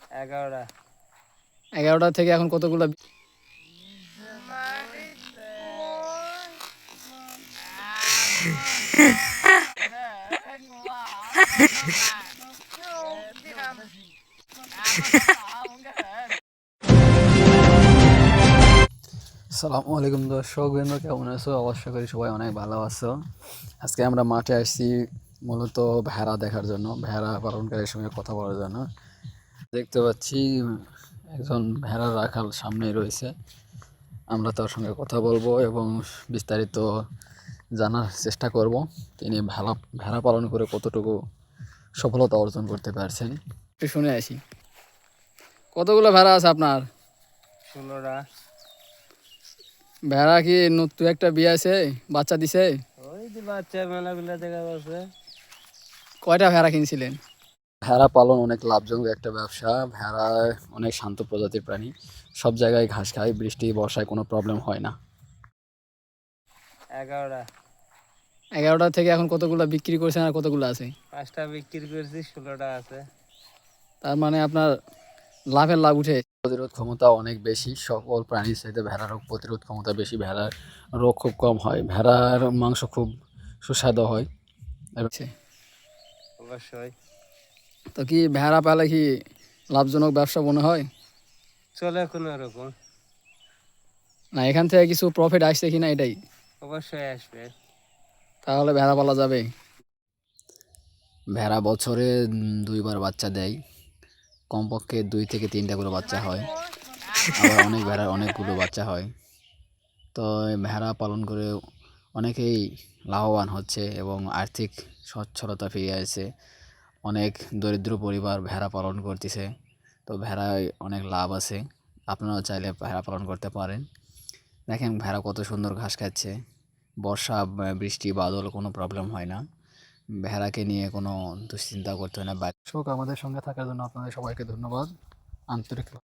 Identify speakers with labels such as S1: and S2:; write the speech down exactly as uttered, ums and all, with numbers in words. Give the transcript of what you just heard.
S1: এগারোটা।
S2: এগারোটা থেকে এখন কতগুলো?
S3: আসসালামু আলাইকুম দর্শক বৃন্দ, কেমন আছো? অবশ্যই করি সবাই অনেক ভালো আছো। আজকে আমরা মাঠে আসছি মূলত ভেড়া দেখার জন্য, ভেড়া পালনকারীর সঙ্গে কথা বলার জন্য। দেখতে পাচ্ছি একজন ভেড়া রাখাল সামনেই রয়েছে। আমরা তার সঙ্গে কথা বলবো এবং বিস্তারিত জানার চেষ্টা করব তিনি ভেড়া ভেড়া পালন করে কতটুকু সফলতা অর্জন করতে পারছেন।
S2: একটু শুনে আসি, কতগুলো ভেড়া আছে আপনার?
S1: ষোলোটা।
S2: ভেড়া কি নতুন একটা বিয়ে আছে, বাচ্চা দিছে?
S1: ওই যে বাচ্চা মেলাগুলা দেখা যাচ্ছে।
S2: কয়টা ভেড়া কিনছিলেন?
S3: ভেড়া পালন অনেক লাভজনক একটা ব্যবসা। ভেড়া অনেক শান্ত প্রজাতির প্রাণী, সব জায়গায় ঘাস খায়, বৃষ্টি বর্ষায় কোনো প্রবলেম হয় না।
S1: এগারোটা।
S2: এগারোটা থেকে এখন কতগুলো বিক্রি করছেন আর কতগুলো আছে?
S1: পাঁচটা বিক্রি করেছি, ষোলোটা আছে।
S2: তার মানে আপনার লাভের লাভ উঠে।
S3: প্রতিরোধ ক্ষমতা অনেক বেশি, সকল প্রাণীর চাইতে ভেড়ার রোগ প্রতিরোধ ক্ষমতা বেশি। ভেড়ার রোগ খুব কম হয়, ভেড়ার মাংস খুব সুস্বাদু হয়।
S1: অবশ্যই।
S2: তো কি ভেড়া পালে কি লাভজনক ব্যবসা মনে হয়?
S1: চলে কোনো রকম।
S2: না এখান থেকে কিছু প্রফিট আসছে কিনা এটাই।
S1: অবশ্যই আসবে।
S2: তাহলে ভেড়া পালা যাবে।
S3: ভেড়া বছরে উম, দুইবার বাচ্চা দেয়, কমপক্ষে দুই থেকে তিনটা করে বাচ্চা হয়। আবার অনেক ভেড়ার অনেকগুলো বাচ্চা হয়। তো এই ভেড়া পালন করে অনেকেই লাভবান হচ্ছে এবং আর্থিক সচ্ছলতা ফিরে আসছে। অনেক দরিদ্র পরিবার ভেড়া পালন করতেছে। তো ভেড়ায় অনেক লাভ আছে, আপনারাও চাইলে ভেড়া পালন করতে পারেন। দেখেন ভেড়া কত সুন্দর ঘাস খাচ্ছে, বর্ষা ব- বৃষ্টি বাদল কোনো প্রবলেম হয় না। ভেড়াকে নিয়ে কোনো দুশ্চিন্তা করতে হয় না। দর্শক, আমাদের সঙ্গে থাকার জন্য আপনাদের সবাইকে ধন্যবাদ, আন্তরিক।